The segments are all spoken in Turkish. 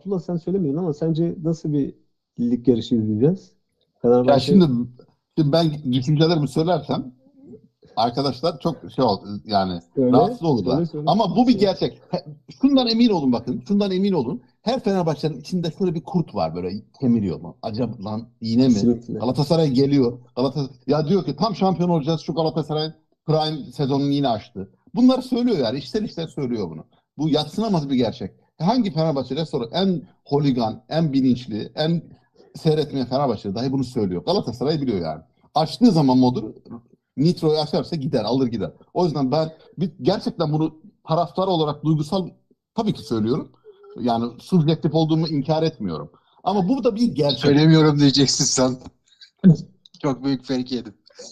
Abdullah sen söylemedin ama sence nasıl bir lig yarışı izleyeceğiz? Ya Fenerbahçe şimdi ben düşüncelerimi söylersem arkadaşlar çok şey oldu yani söyle, rahatsız olurlar. söyle, söyle. Ama bu bir Söyle. gerçek. Şundan emin olun bakın. Şundan emin olun. Her Fenerbahçe'nin içinde şöyle bir kurt var böyle kemiriyor mu? Acaba lan yine mi? Kesinlikle. Galatasaray geliyor. Galatasaray ya diyor ki tam şampiyon olacağız. Şu Galatasaray prime sezonunu yine açtı. Bunları söylüyor yani. İçten içten söylüyor bunu. Bu yadsınamaz bir gerçek. Hangi Fenerbahçe'de sonra en holigan, en bilinçli, en seyretmeyen Fenerbahçe dahi bunu söylüyor. Galatasaray biliyor yani. Açtığı zaman modu Nitro'yu açarsa gider, alır gider. O yüzden ben gerçekten bunu taraftar olarak duygusal tabii ki söylüyorum. Yani subjektif olduğumu inkar etmiyorum. Ama bu da bir gerçek. Söylemiyorum diyeceksin sen. Çok büyük fake yedim.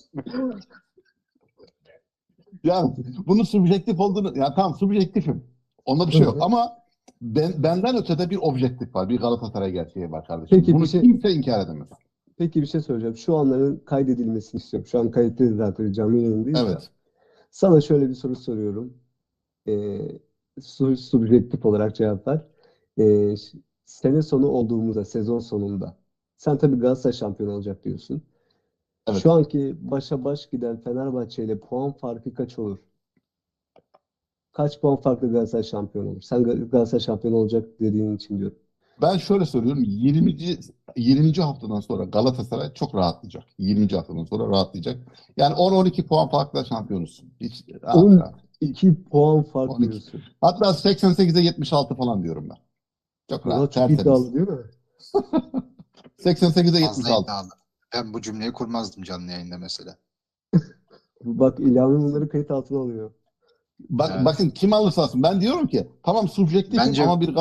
Yani bunun subjektif olduğunu, yani tamam subjektifim. Onda bir Hı şey yok. hı. Ama benden ötede bir objektif var. Bir Galatasaray gerçeği var kardeşim. Peki Bunu kimse inkar edemez. peki bir şey söyleyeceğim. Şu anların kaydedilmesini istiyorum. Şu an kayıttayız zaten canlı yayındayız da. Evet. Sana şöyle bir soru soruyorum. Ee, Subjektif olarak cevap ver. Sene sonu olduğumuzda, sezon sonunda. Sen tabii Galatasaray şampiyon olacak diyorsun. Şu Evet. anki başa baş giden Fenerbahçe ile puan farkı kaç olur? Kaç puan farklı Galatasaray şampiyon olur? Sen Galatasaray şampiyon olacak dediğin için diyorum. Ben şöyle söylüyorum. 20. haftadan sonra Galatasaray çok rahatlayacak. 20. haftadan sonra rahatlayacak. Yani 10-12 puan farkla şampiyonuz. Hiç rahat rahat. 12 puan fark 12. diyorsun. Hatta 88'e 76 falan diyorum ben. Çok Valla rahat, çok tertemiz. iddialı değil mi? 88'e Fazla 76. iddialı. Ben bu cümleyi kurmazdım canlı yayında mesela. Bak İlhan'ın bunları kayıt altına alıyor. Bakın Evet. kim alırsa alsın. Ben diyorum ki tamam subjektifim Bence ama bir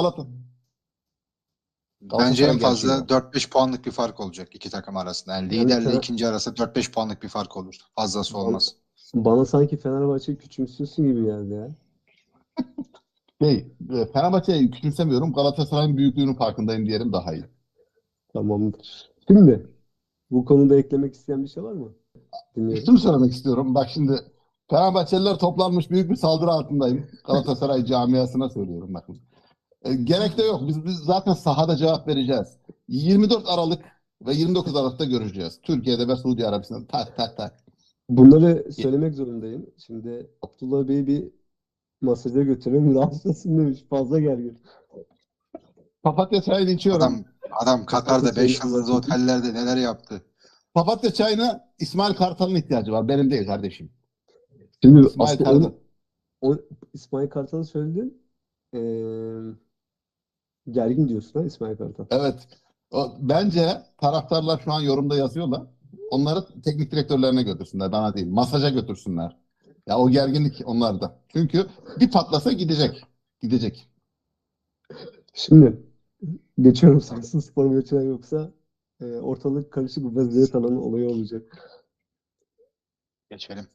bence Galatasaray en gerçeği fazla var. 4-5 puanlık bir fark olacak iki takım arasında. Yani Yani liderle ikinci arasında 4-5 puanlık bir fark olur. Fazlası bana, olmaz. bana sanki Fenerbahçe küçümsüyorsun gibi geldi ya. Fenerbahçe'yi küçümsemiyorum. Galatasaray'ın büyüklüğünün farkındayım diyelim daha iyi. Tamamdır. Şimdi bu konuda eklemek isteyen bir şey var mı? Dinliyorum. Şunu söylemek istiyorum. Bak şimdi Fenerbahçeliler toplanmış büyük bir saldırı altındayım. Galatasaray camiasına söylüyorum bakın. Gerek de yok. Biz zaten sahada cevap vereceğiz. 24 Aralık ve 29 Aralık'ta göreceğiz. Türkiye'de ve Suudi Arabistan'da tak tak tak. Bunları söylemek zorundayım. Şimdi Abdullah Bey'i bir masaja götürelim. Rahatsızsın demiş. Fazla gergin. Papatya çayını içiyorum. Adam Papatya Katar'da çayını 5 yıldızlı anlatayım. otellerde neler yaptı. Papatya çayına İsmail Kartal'ın ihtiyacı var. Benim değil kardeşim. Şimdi İsmail aslında Kartal. İsmail Kartal'ı söyledin. Ee, Gergin diyorsun ha İsmail Kartal. Evet. Bence taraftarlar şu an yorumda yazıyorlar. Onları teknik direktörlerine götürsünler. Bana değil. Masaja götürsünler. Ya o gerginlik onlarda. Çünkü bir patlasa gidecek. Gidecek. Şimdi geçiyorum Samsunspor maçına yoksa ortalık karışık bir vaziyet alanı olayı olacak. Geçelim.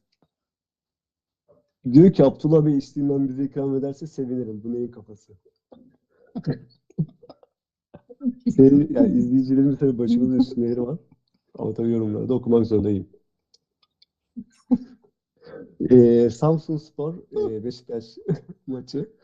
Diyor ki Abdullah Bey içtiğinden bize ikram ederse sevinirim. Bu neyin kafası? Yani izleyicilerin tabii başımızın üstünde yeri var. Ama tabii yorumlarda okumak zorundayım. Samsunspor Beşiktaş maçı.